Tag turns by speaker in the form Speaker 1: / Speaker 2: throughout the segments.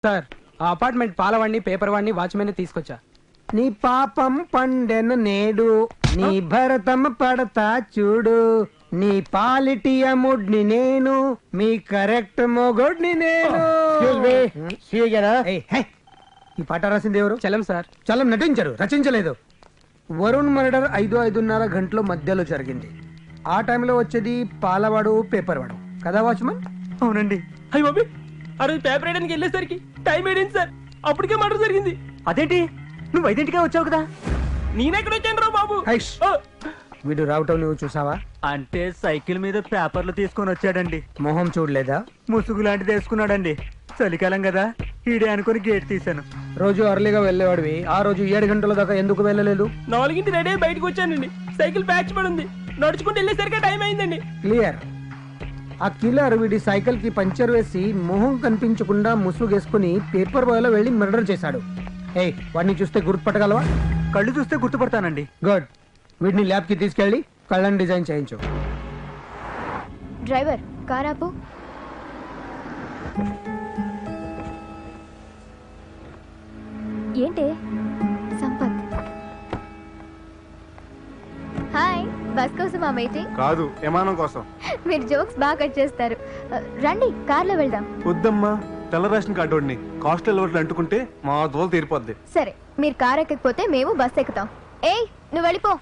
Speaker 1: Sir ఆ apartment పాలవాడిని paper వాడిని వాచ్మెన్ తీసుకొచ్చా.
Speaker 2: నీ పాపం పండెను నేడు, నీ భరతం పడతా చూడు, నీ పాలిటియముడ్ని నేను, మీ కరెక్ట్ మొగుడ్ని నేను. ఈ పాట రాసింది ఎవరు?
Speaker 1: చలం సార్.
Speaker 2: చలం నటించారు, రచించలేదు. వరుణ్ మర్డర్ 5-5:30 గంటల మధ్యలో జరిగింది. ఆ టైంలో వచ్చేది పాలవాడు పేపర్ వాడు కదా వాచ్మన్?
Speaker 3: అవునండి.
Speaker 1: అయ్యి బాబీ, ఆ రోజు పేపర్ వేయడానికి వెళ్ళేసరికి టైం ఏంటి సార్, అప్పటికే మర్డర్ జరిగింది.
Speaker 3: అదేంటి, నువ్వు 5ంటికే వచ్చావు కదా?
Speaker 1: నేనెక్కడ వచ్చాను రా బాబు.
Speaker 2: హైష్. వీడు రావటం నువ్వు చూసావా?
Speaker 3: అంటే సైకిల్ మీద పేపర్లు తీసుకొని వచ్చాడండి.
Speaker 2: మొహం చూడలేదా?
Speaker 3: ముసుగు లాంటిది వేసుకున్నాడండి. చలికాలం కదా, ఈడే అనుకుని గేట్ తీశాను.
Speaker 2: రోజు అర్లీగా వెళ్ళేవాడివి, ఆ రోజు 7 గంటల దాకా ఎందుకు వెళ్ళలేదు?
Speaker 1: 4ంటికి రెడీ బయటకు వచ్చానండి. సైకిల్ ప్యాచ్ పడి ఉంది. నడుచుకుంటూ వెళ్ళేసరికి టైం అయిందండి.
Speaker 2: క్లియర్. ఆ కిల్లర్ వీడి సైకిల్ కి పంచర్ వేసి మొహం కనిపించకుండా ముసుగేసుకుని పేపర్ బాయ్ లో వెళ్లి మర్డర్ చేశాడు. ఏయ్, వాడిని చూస్తే గుర్తుపట్టగలవా?
Speaker 3: కళ్ళు చూస్తే గుర్తుపడతానండి.
Speaker 2: గుడ్. వీడిని ల్యాబ్ కి తీసుకెళ్లి కళ్ళని డిజైన్ చేయించు.
Speaker 4: డ్రైవర్, కార్ ఆపు. ఏంటి సంపత్? హాయ్, బస్ కోసం ఆ వెయిటింగ్?
Speaker 5: కాదు, విమానం కోసం.
Speaker 4: మీరు జోక్స్ బాగా కట్ చేస్తారు. రండి, కార్లో వెళ్దాం.
Speaker 5: వద్దమ్మా, తెల్ల రేషన్ కార్డు కాస్టల్ ఓట్లు అంటుకుంటే మా దోలు తీరిపోద్ది.
Speaker 4: సరే, మీరు కార్ ఎక్కకపోతే మేము బస్ ఎక్కుతాం. ఏయ్, నువ్వు వెళ్ళిపో.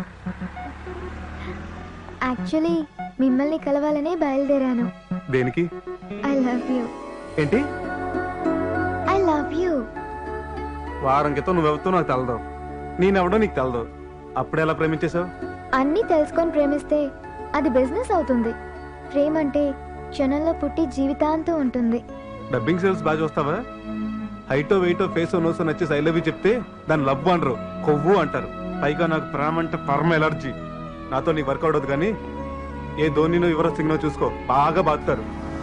Speaker 4: యాక్చువల్లీ మిమ్మల్ని కలవాలనే బయలుదేరాను.
Speaker 5: దేనికి?
Speaker 4: I love you.
Speaker 5: ఏంటి?
Speaker 4: I love you.
Speaker 5: వారం క్రితం నువ్వెవతో నాకు తెలదు, నేనెవడో నీకు తెలదు. అప్పుడెలా ప్రేమించేశావు?
Speaker 4: అన్నీ తెలుసుకొని ప్రేమిస్తే అది బిజినెస్ అవుతుంది. ప్రేమ అంటే క్షణంలో పుట్టి జీవితాంతం ఉంటుంది.
Speaker 5: డబ్బింగ్ సేల్స్ బాగా చూస్తావా? హైటో వెయిటో ఫేసో నోసో నచ్చేసి ఐ లవ్ యూ చెప్తే దాన్ని లవ్ అనరు, కొవ్వు అంటారు. పైగా నాకు ప్రేమ అంటే పరమ ఎలర్జీ. నాతో నీకు వర్కౌట్ అవుతుంది, కానీ ఏ ధోనినో యువరాజ్ సింగ్నో చూసుకో, బాగా బాగుతారు.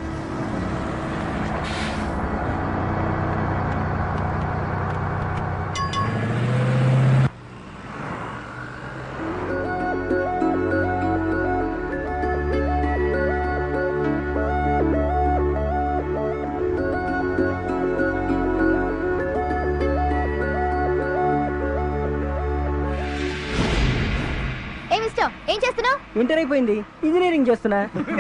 Speaker 4: ఏం చేస్తున్నావు?
Speaker 1: ఇంటర్ అయిపోయింది, ఇంజనీరింగ్ చేస్తున్నా.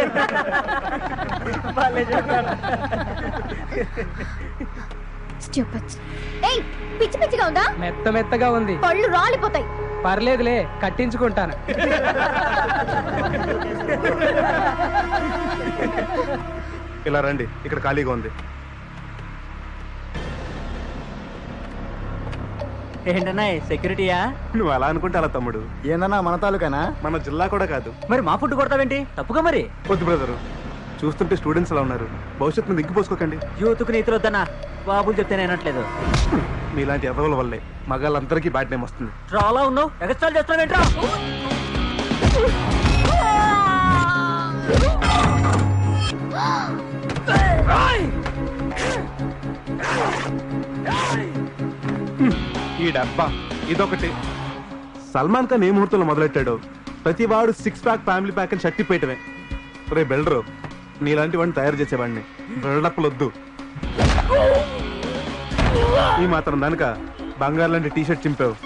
Speaker 4: ఏయ్, పిచ్చి పిచ్చిగా ఉందా?
Speaker 1: మెత్త మెత్తగా ఉంది,
Speaker 4: పళ్ళు రాలిపోతాయి.
Speaker 1: పర్లేదులే, కట్టించుకుంటాను.
Speaker 5: ఇలా రండి, ఇక్కడ ఖాళీగా ఉంది.
Speaker 3: ఏంటన్నా సెక్యూరిటీయా?
Speaker 5: నువ్వు అలా అనుకుంటే అలా తమ్ముడు.
Speaker 2: ఏందన్నా మన తాలూకానా?
Speaker 5: మన జిల్లా కూడా కాదు.
Speaker 3: మరి మా ఫుడ్ కొడతావేంటి? తప్పుగా మరి.
Speaker 5: వద్దు బ్రదరు, చూస్తుంటే స్టూడెంట్స్ అలా ఉన్నారు. భవిష్యత్తు దిగ్గిపోసుకోకండి.
Speaker 3: యూత్కు నీతులు వద్దన్నా, బాబులు చెప్తే నేనట్లేదు.
Speaker 5: మీలాంటి ఎదవల వల్లే మగాళ్ళందరికీ బ్యాడ్ నేమ్ వస్తుంది.
Speaker 3: చాలా ఉన్నావు, ఎగస్ట్రాల్ చేస్తున్నావేంట్రా?
Speaker 5: ఈ డబ్బా ఇదొకటి. సల్మాన్ ఖాన్ ఏ ముహూర్తంలో మొదలెట్టాడు, ప్రతి వాడు 6 ప్యాక్ ఫ్యామిలీ ప్యాక్ అని షర్ట్ పెట్టవే. రే బెల్డరు, నీలాంటి వాడిని తయారు చేసేవాడిని. బిల్డప్లు వద్దు. ఈ మాత్రం దానిక బంగారు లాంటి టీషర్ట్ చింపావు.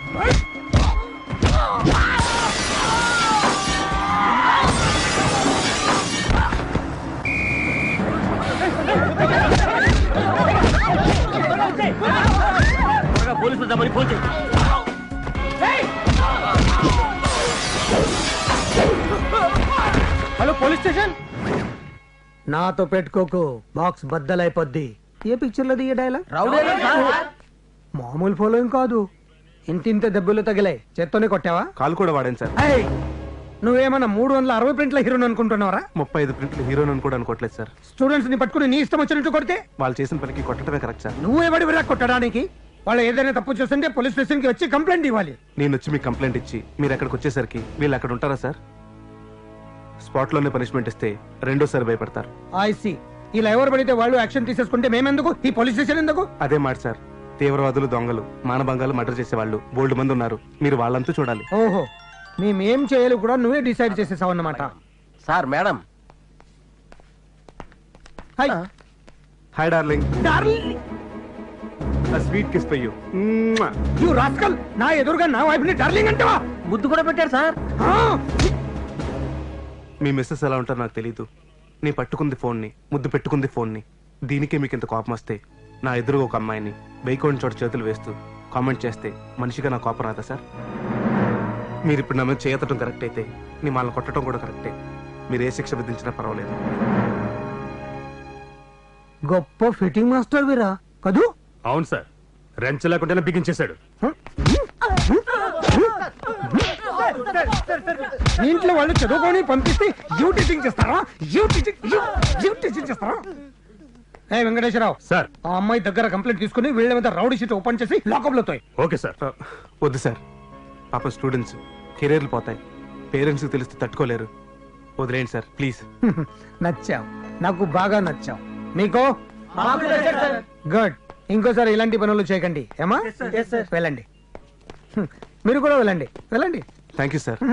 Speaker 2: Hello police station. నాతో పెట్టుకోకు, బాక్స్ బద్దలైపోద్ది. ఏ పిక్చర్ లో దిగే డైలాగ్? మామూలు ఫాలోయింగ్ కాదు, ఇంతింత దెబ్బలు తగిలాయి. చేత్తోనే కొట్టావా?
Speaker 5: కాలు కూడా వాడాను సార్.
Speaker 2: నువ్వేమన్నా 360 ప్రింట్ల హీరోని అనుకుంటున్నావరా?
Speaker 5: 35 ప్రింట్లు హీరోని కూడా అనుకోవట్లేదు సార్.
Speaker 2: స్టూడెంట్స్ ని పట్టుకుని నీ ఇష్టం వచ్చినట్టు కొడితే
Speaker 5: వాళ్ళు చేసిన పనికి కొట్టడమే కరెక్ట్ సార్.
Speaker 2: నువ్వెవడి విరా కొట్టడానికి? వాళ్ళు ఏదైనా తప్పు చేస్తుంటే పోలీస్ స్టేషన్ కి వచ్చి కంప్లైంట్ ఇవ్వాలి.
Speaker 5: నేను వచ్చి మీకు కంప్లైంట్ ఇచ్చి మీరు అక్కడికి వచ్చేసరికి వీళ్ళు అక్కడ ఉంటారా సార్? స్పాట్ లోనే పనిష్మెంట్ ఇస్తే రెండోసారి భయపడతారు.
Speaker 2: ఐసి ఇలా ఎవరు పడితే వాళ్ళు యాక్షన్ తీసేసుకుంటే మేమెందుకు? ఈ పోలీస్ స్టేషన్ ఎందుకు?
Speaker 5: అదే మాట సార్. తీవ్రవాదులు, దొంగలు, మానభంగాలు, మర్డర్ చేసేవాళ్ళు బోల్డ్ మంది ఉన్నారు. మీరు వాళ్ళంతా చూడాలి.
Speaker 2: ఓహో, మేమేం చేయాలి కూడా నువ్వే డిసైడ్ చేసేసావు అన్నమాట.
Speaker 6: Sir, madam.
Speaker 2: Hi.
Speaker 5: Hi darling.
Speaker 2: Darling
Speaker 5: sweet kiss for you.
Speaker 2: You rascal, నా ఎదురుగా నా వైఫ్ ని డార్లింగ్ అంటావా?
Speaker 1: ముద్దు కూడా పెట్టారు సార్.
Speaker 5: మీ మిస్సెస్ ఎలా ఉంటారో నాకు తెలీదు. నీ పట్టుకుంది ఫోన్ని, ముద్దు పెట్టుకుంది ఫోన్ని. దీనికే మీకు ఇంత కోపం వస్తే నా ఎదురుగా ఒక అమ్మాయిని బైకోని చోట చేతులు వేస్తూ కామెంట్ చేస్తే మనిషిగా నా కోపం రాదా సార్? మీరు ఇప్పుడు నా మీద చేయటం కరెక్ట్ అయితే నీ వాళ్ళని కొట్టడం కూడా కరెక్టే. మీరు ఏ శిక్ష విధించినా పర్వాలేదు.
Speaker 2: గొప్ప ఫిట్టింగ్ మాస్టర్ వీరా కదూ?
Speaker 6: అవును సార్, రెంచ లేకుండానే బిగించేశాడు.
Speaker 2: మీ ఇంట్లో వాళ్ళు చదువుకొని పంపిస్తే యూ టీచింగ్ చేస్తారా? యూ టీచింగ్ చేస్తారా? ఏ వెంకటేశ్వరరావు
Speaker 6: సార్.
Speaker 2: ఆ అమ్మాయి దగ్గర కంప్లైంట్ తీసుకుని వీళ్ళ మీద రౌడీ షీట్ ఓపెన్ చేసి లాకప్ లో తోయ్.
Speaker 6: Okay sir.
Speaker 5: వద్దు సార్, పాప స్టూడెంట్స్ కెరీర్లు పోతాయి. పేరెంట్స్కి తెలిస్తే తట్టుకోలేరు. వదిలేండి సార్ ప్లీజ్.
Speaker 2: నచ్చావు, నాకు బాగా నచ్చావు. మీకు గుడ్. ఇంకోసారి ఇలాంటి పనులు చేయకండి ఏమా? వెళ్ళండి. మీరు కూడా వెళ్ళండి, వెళ్ళండి.
Speaker 5: Thank you sir.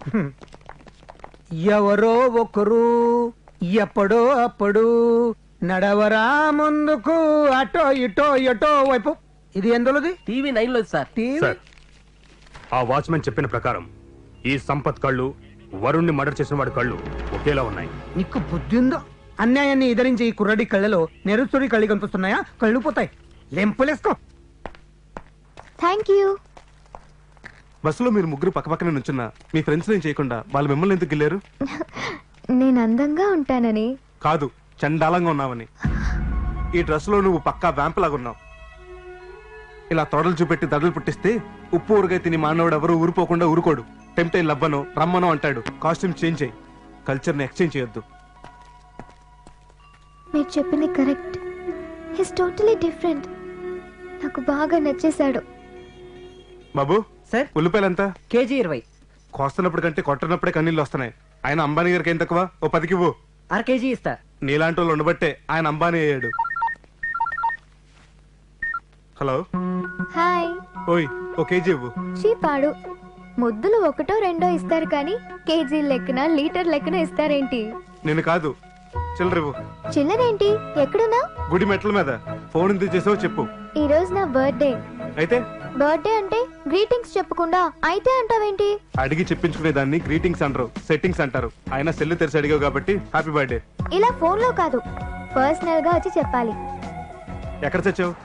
Speaker 2: ఎవరో ఒకరు ఎప్పుడో అప్పుడు నడవరా ముందుకు, అటో ఇటో ఎటో వైపు. ఇది ఎందులోది?
Speaker 1: టీవీ 9 లో సార్.
Speaker 6: సార్, ఆ వాచ్మెన్ చెప్పిన ప్రకారం ఈ సంపత్ కళ్ళు, వరుణ్ణి మర్డర్ చేసిన వాడి కళ్ళు ఒకేలా ఉన్నాయి.
Speaker 2: నీకు బుద్ధి ఉందో? అన్యాయాన్ని ఎదిరించి ఈ కుర్రడి కళ్ళలో నెరుస్తుడి కళ్ళు కనిపిస్తున్నాయా? కళ్ళు పోతాయి. లెంపులేసుకో.
Speaker 4: Thank you.
Speaker 5: బస్సులో మీరు ముగ్గురు పక్కపక్కనే నుంచున్నా మీ ఫ్రెండ్స్ ఏం చేయకుండా వాళ్ళు మిమ్మల్ని ఎందుకు గిల్లారు?
Speaker 4: నేను అందంగా ఉంటానని
Speaker 5: కాదు, చండాలంగా ఉన్నావని. ఈ డ్రెస్ లో నువ్వు పక్కా వ్యాంప్ లాగా ఉన్నావు. ఇలా తొడలు చూపెట్టి దడలు పుట్టిస్తే ఉప్పు ఊరుగా తిని మానవుడు ఎవరు ఊరిపోకుండా ఊరుకోడు. టెంప్టైన్ లవ్వనో రమ్మనో అంటాడు. కాస్ట్యూమ్ చేంజ్ చేయి. కల్చర్ని ఎక్స్చేంజ్ చేయొద్దు.
Speaker 4: మీరు చెప్పింది కరెక్ట్. His totally different. నాకు బాగా నచ్చేశాడు.
Speaker 5: బాబు
Speaker 1: సార్.
Speaker 5: ఉల్లిపాయలు ఎంత?
Speaker 1: కేజీ 20.
Speaker 5: కోస్తున్నప్పుడు కంటే కొట్టనప్పుడే కన్నీళ్ళు వస్తున్నాయి. ఆయన అంబానీ గారికి ఏం తక్కువ? ఓ 10కి ఇవ్వు.
Speaker 1: 1/2 కేజీ ఇస్తా.
Speaker 5: నీలాంటి వాళ్ళు ఉండబట్టే ఆయన అంబానీ అయ్యాడు. హలో.
Speaker 4: హాయ్.
Speaker 5: ఓయ్, ఓ కేజీ ఇవ్వు.
Speaker 4: చీపాడు. ముద్దులు 1 2 ఇస్తారు కానీ కేజీ లెక్కన లీటర్ లెక్కన ఇస్తారేంటి?
Speaker 5: నేను కాదు, చిల్లరివ్వు.
Speaker 4: చిల్లరేంటి? ఎక్కడున్నా?
Speaker 5: గుడి మెట్ల మీద. ఫోన్ ఎందుకు చేసావో చెప్పు.
Speaker 4: ఈ రోజు నా బర్త్డే.
Speaker 5: అయితే
Speaker 4: బర్త్డే అంటే గ్రీటింగ్స్ చెప్పకుండా అయితే అంటావేంటి?
Speaker 5: అడిగి చెప్పించుకునే దాన్ని గ్రీటింగ్స్ అంటారు, సెట్టింగ్స్ అంటారు. ఆయన సెల్లు తెరిచి అడిగావు కాబట్టి హ్యాపీ బర్త్డే.
Speaker 4: ఇలా ఫోన్ లో కాదు, పర్సనల్ గా వచ్చి చెప్పాలి.
Speaker 5: ఎక్కడ చచ్చావు?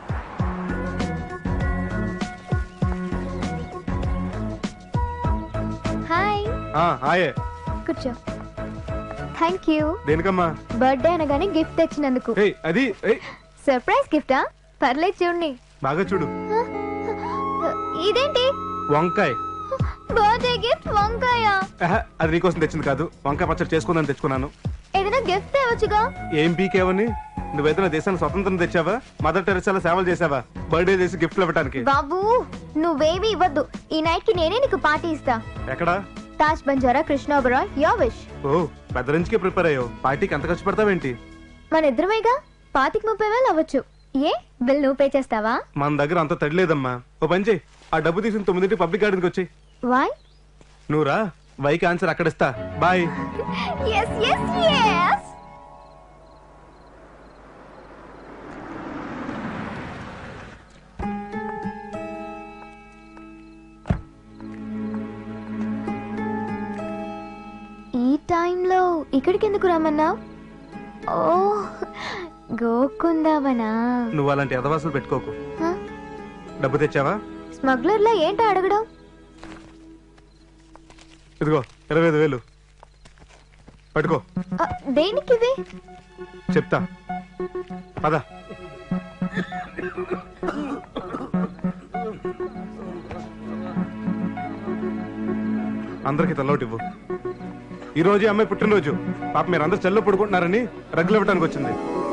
Speaker 4: హాయ్.
Speaker 5: హాయే.
Speaker 4: కూర్చో. Thank you.
Speaker 5: దేనికమ్మా?
Speaker 4: బర్త్డే అనగానే గిఫ్ట్ తెచ్చినందుకు.
Speaker 5: ఏయ్, అది ఏయ్,
Speaker 4: సర్ప్రైజ్ గిఫ్టా? పర్లేదు చూడండి.
Speaker 5: బాగా చూడు.
Speaker 4: ఇదేంటి?
Speaker 5: వంకాయ.
Speaker 4: బర్త్డే గిఫ్ట్ వంకాయ?
Speaker 5: అది నీకోసం తెచ్చింది కాదు. వంకాయ పచ్చడి చేసుకుందని తెచ్చుకున్నాను.
Speaker 4: ఏదైనా గిఫ్ట్ తేవచ్చుగా.
Speaker 5: ఏం పీకేవని? నువ్వేదైనా దేశానికి స్వతంత్రం తెచ్చావా? మదర్ టెరెసాలో సేవలు చేసావా? బర్త్డే చేసి గిఫ్ట్లు ఇవ్వడానికి?
Speaker 4: బాబు నువ్వేమీ ఇవ్వద్దు. ఈ నైట్ కి నేనే నీకు పార్టీ ఇస్తా.
Speaker 5: ఎక్కడా?
Speaker 4: తాజ్ బంజారా కృష్ణాపురం. Your wish.
Speaker 5: ఓ, పెద్ద రేంజ్ కి ప్రిపేర్ అయ్యావు. పార్టీకి ఎంత ఖర్చు పెడతావేంటి?
Speaker 4: మన ఇద్దరమేగా. 25-30 అవ్వచ్చు. ఏ బిల్ నువ్వు పే చేస్తావా?
Speaker 5: మన దగ్గర అంత తడిలేదమ్మా. ఓ పని చేయి, ఆ డబ్బు తీసుకుని 9 పబ్లిక్ గార్డెన్కి వచ్చి.
Speaker 4: వై?
Speaker 5: నువ్వురా, వైకి ఆన్సర్ అక్కడ ఇస్తా. బాయ్.
Speaker 4: yes yes yes. ఈ టైంలో ఇక్కడికి ఎందుకు రమ్మన్నావు? ఓ, గోకుందావనా?
Speaker 5: నువ్వు అలాంటి ఎదవాసులు పెట్టుకోకు. డబ్బు తెచ్చావా?
Speaker 4: స్మగ్లర్లా ఏంటో అడగడం?
Speaker 5: ఇదిగో 25,000 పట్టుకో.
Speaker 4: దేనికి ఇవి?
Speaker 5: చెప్తా పద. అందరికి తల్లోటి ఇవ్వు. ఈ రోజు అమ్మాయి పుట్టినరోజు. పాప మీరు అందరు చెల్లో పడుకుంటున్నారని రగ్గులు ఇవ్వడానికి వచ్చింది.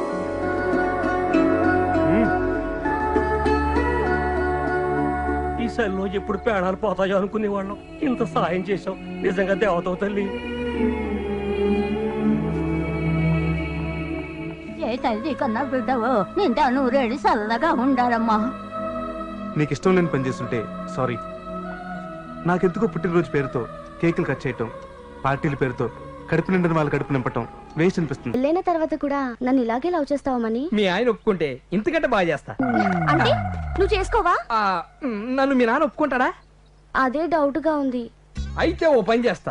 Speaker 1: ఈ సెల్లో ఎప్పుడు పేడాలు పోతాయో అనుకునేవాళ్ళం. ఇంత సాయం చేసాం. నిజంగా దేవతవు తల్లి.
Speaker 7: ఏ తల్లి కన్నా బిడ్డవో నిండా నూరేళ్ళు చల్లగా ఉండాలమ్మా.
Speaker 5: నీకు ఇష్టం లేని పని చేస్తుంటే సారీ. నాకెందుకో పుట్టినరోజు పేరుతో కేకులు కట్ చేయటం, పార్టీల పేరుతో కడుపు నిండిన వాళ్ళు కడుపు నింపటం వేస్ట్ అనిపిస్తుంది.
Speaker 8: పెళ్ళైన తర్వాత కూడా నన్ను ఇలాగే లవ్ చేస్తావమని.
Speaker 1: మీ ఆయన ఒప్పుకుంటే ఇంతకంటే బాగా చేస్తా.
Speaker 8: అంటే నువ్వు చేసుకోవా?
Speaker 1: నన్ను మీ నాన్న ఒప్పుకుంటాడా?
Speaker 8: అదే డౌట్ గా ఉంది.
Speaker 1: అయితే ఓ పని చేస్తా,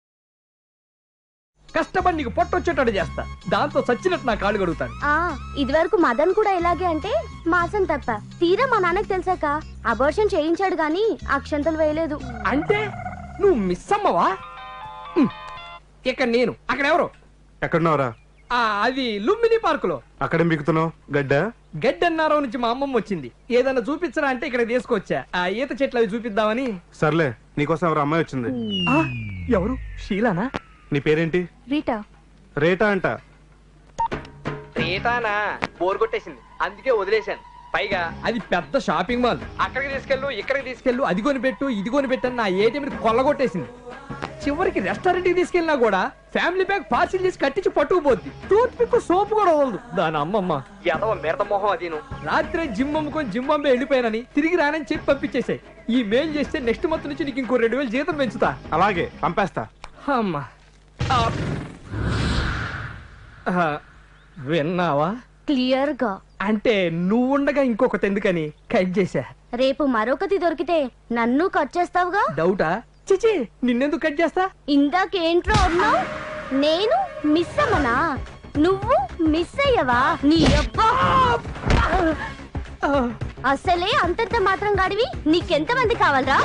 Speaker 1: కష్టపడి నీకు పొట్టొచ్చేటట్టు చేస్తా. దాంతో చచ్చినట్టు నా కాళ్ళు కడుగుతాను.
Speaker 8: ఇది వరకు మదన్ కూడా ఇలాగే అంటే మాసం తప్ప. తీరా మా నాన్నకి తెలిసాక అబార్షన్ చేయించాడు గాని అక్షంతలు వేయలేదు.
Speaker 1: అంటే నువ్వు మిస్ అమ్మవా? ఇక్కడ నేను, అక్కడ ఎవరు?
Speaker 5: ఎక్కడున్నావురా?
Speaker 1: అది లుంబిని పార్కులో.
Speaker 5: అక్కడే మిగుతున్నావు గడ్డ?
Speaker 1: గడ్డన్నారో నుంచి మా అమ్మమ్మ వచ్చింది. ఏదన్నా చూపించరా అంటే ఇక్కడ తీసుకొచ్చా. ఆ ఈత చెట్లు అవి చూపిద్దామని.
Speaker 5: సర్లే, నీకోసం ఎవరు అమ్మాయి వచ్చింది.
Speaker 1: ఎవరు? షీలానా?
Speaker 5: నీ పేరేంటి?
Speaker 8: రీటా.
Speaker 5: రేటా అంట.
Speaker 1: రేటానా? బోర్ కొట్టేసింది, అందుకే వదిలేశాను. పైగా అది పెద్ద షాపింగ్ మాల్. అక్కడికి తీసుకెళ్ళు, ఇక్కడికి తీసుకెళ్ళు, అది కొనిపెట్టు, ఇది కొనిపెట్టని నా ఏటీఎం కొల్లగొట్టేసింది. చివరికి రెస్టారెంట్ కి తీసుకెళ్ళినా కూడా ఫ్యామిలీ ప్యాక్ పార్సిల్ చేసి కట్టించి పట్టుకుపోద్ది. టూత్ పిక్ సోపు కూడా వదలదు దాని అమ్మమ్మ. ఎదవ మిరత మొహం అదీను. రాత్రే జిమ్ అమ్ముకొని జింబాంబే వెళ్ళిపోయానని తిరిగి రానని చెప్పి పంపించేసాయి. ఈ మెయిల్ చేస్తే నెక్స్ట్ మంత్ నుంచి నీకు ఇంకో 2000 జీతం పెంచుతా.
Speaker 5: అలాగే పంపేస్తా.
Speaker 1: అమ్మా విన్నావా?
Speaker 8: క్లియర్ గా.
Speaker 1: అంటే నువ్వుండగా ఇంకొకటి ఎందుకని కట్ చేశా.
Speaker 8: రేపు మరొకటి దొరికితే నన్ను కట్ చేస్తావుగా?
Speaker 1: డౌటా? చిచి, నిన్నెందుకు కట్ చేస్తా?
Speaker 8: ఇందాకేంట్రో అన్నావు? నేను మిస్ అమ్మనా? నువ్వు మిస్ అయ్యవా? నీ అబ్బా! అసలే అంతంత మాత్రం గాడివి. నీకెంత మంది కావాలరా?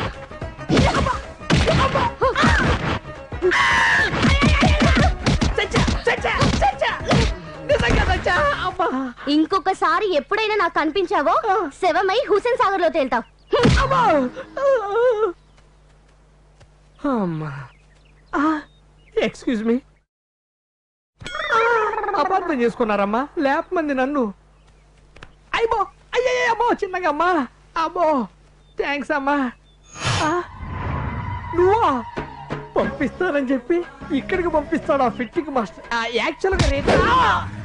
Speaker 8: ఇంకొకసారి ఎప్పుడైనా నాకు కనిపించావో శవమై హుసేన్ సాగర్ లో తేల్తావు.
Speaker 1: ఎక్స్క్యూజ్ మీ, అపార్థం చేసుకున్నారమ్మా. లేపమంది నన్ను. అయ్యో అయ్యో చిన్నగా అమ్మా. అబ్బో థ్యాంక్స్ అమ్మా. నువ్వా? పంపిస్తానని చెప్పి ఇక్కడికి పంపిస్తాడు ఆ ఫిట్టింగ్ మాస్టర్. యాక్చువల్గా రేట్